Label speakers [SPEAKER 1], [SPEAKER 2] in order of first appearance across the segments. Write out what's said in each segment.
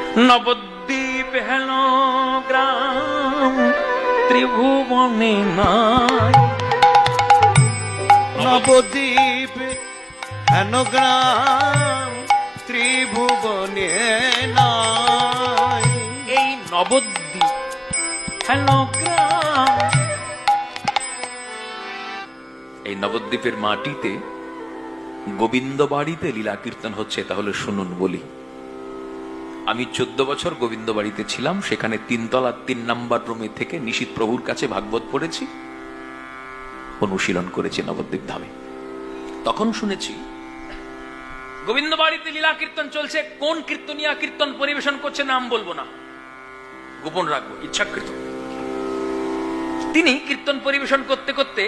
[SPEAKER 1] নবদ্বীপ হেন গ্রাম ত্রিভুবনে নাই।
[SPEAKER 2] নবদ্বীপ হেন গ্রাম ত্রিভুবনে নাই।
[SPEAKER 1] এই নবদ্বীপ হেন গ্রাম, এই নবদ্বীপের মাটিতে গোবিন্দ বাড়িতে লীলা কীর্তন হচ্ছে। তাহলে শুনুন বলি, আমি 14 বছর গোবিন্দ বাড়িতে ছিলাম। সেখানে 3 তলা 3 নম্বর রুমে থেকে নিশীথ প্রভুর কাছে ভাগবত পড়েছি, অনুশীলন করেছি নবদ্বীপ ধামে। তখন শুনেছি গোবিন্দ বাড়িতে লীলা কীর্তন চলছে। কোন কীর্তনিয়া কীর্তন পরিবেশন করছে নাম বলবো না, গোপন রাখবো, ইচ্ছাকৃত। তিনি কীর্তন পরিবেশন করতে করতে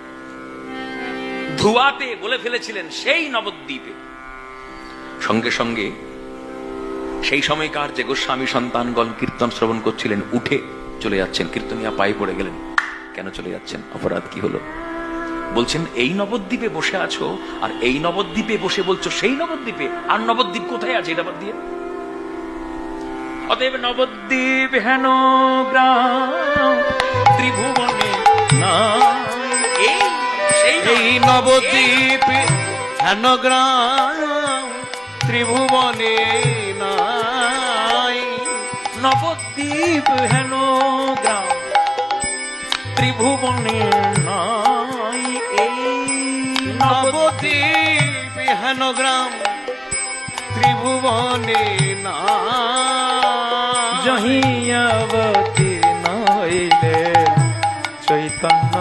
[SPEAKER 1] ধুয়াতে বলে ফেলেছিলেন সেই নবদ্বীপে। সঙ্গে সঙ্গে সেই সময়কার যে গোস্বামী সন্তানগণ কীর্তন শ্রবণ করছিলেন উঠে চলে যাচ্ছেন। কীর্তনিয়া পায়ে পড়ে গেলেন, কেন চলে যাচ্ছেন, অপরাধ কি হলো? বলছেন এই নবদ্বীপে বসে আছো আর এই নবদ্বীপে বসে বলছো সেই নবদ্বীপে, আর নবদ্বীপ কোথায় আছে এটা বাদ দিয়ে। অতএব নবদ্বীপ হেন গ্রাম ত্রিভুবনে নাই।
[SPEAKER 2] এই নবদ্বীপ হেন গ্রাম ত্রিভুবনে নাই।
[SPEAKER 1] নবদ্বীপ হেন গ্রাম ত্রিভুবনে নাই। এই
[SPEAKER 2] নবদ্বীপ হেন গ্রাম ত্রিভুবনে নাই।
[SPEAKER 1] জহিয়াবতী নইলে চৈতন্য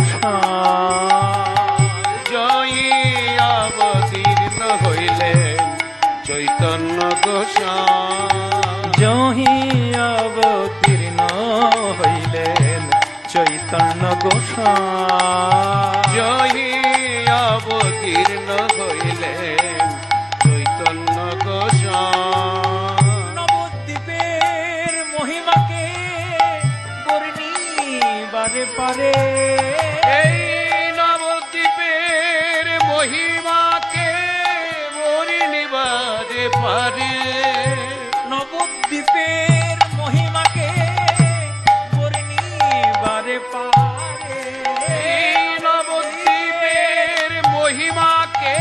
[SPEAKER 1] গোসাই।
[SPEAKER 2] জয়ী অবতীর্ণ হইলে চৈতন্য গোসাই।
[SPEAKER 1] জহিয়াবতীর্ণ হইলেন চৈতন্য গোসাই।
[SPEAKER 2] জয়ী অবতীর্ণ হইলেন চৈতন্য গোসাই।
[SPEAKER 1] নবদ্বীপের মহিমাকে বর্ণিবারে পারে।
[SPEAKER 2] এই নবদ্বীপের মহিমাকে বর্ণিবারে পারে।
[SPEAKER 1] নবদ্বীপের মহিমাকে বর্ণিবারে পারে।
[SPEAKER 2] এই নবদ্বীপের মহিমাকে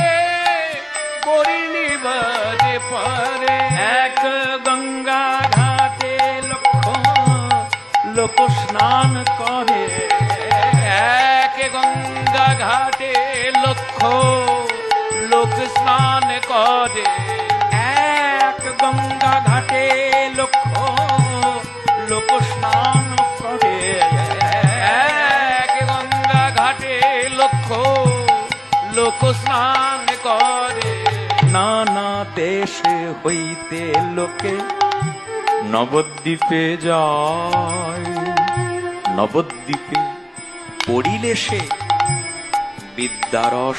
[SPEAKER 2] বর্ণিবারে পারে।
[SPEAKER 1] এক গঙ্গা ঘাটে লক্ষ লোক স্নান করে।
[SPEAKER 2] এক গঙ্গা ঘাটে লক্ষ লোক স্নান করে।
[SPEAKER 1] এক গঙ্গা ঘাটে লক্ষ লোক স্নান করে।
[SPEAKER 2] এক গঙ্গা ঘাটে লক্ষ লোক স্নান করে।
[SPEAKER 1] নানা দেশে হইতে লোকে নবদ্বীপে যায়। নবদ্বীপে পড়িলে সে বিদ্যারস।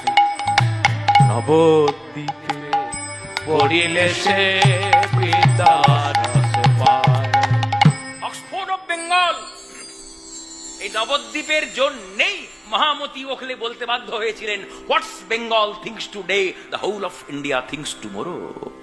[SPEAKER 1] নবদ্বীপে
[SPEAKER 2] পড়িলে সে বিদ্যারস পায়।
[SPEAKER 1] অক্সফোর্ড অফ বেঙ্গল এই নবদ্বীপের জন্যেই মহামতি ওখলে বলতে বাধ্য হয়েছিলেন, what's Bengal thinks today, the whole of India thinks tomorrow.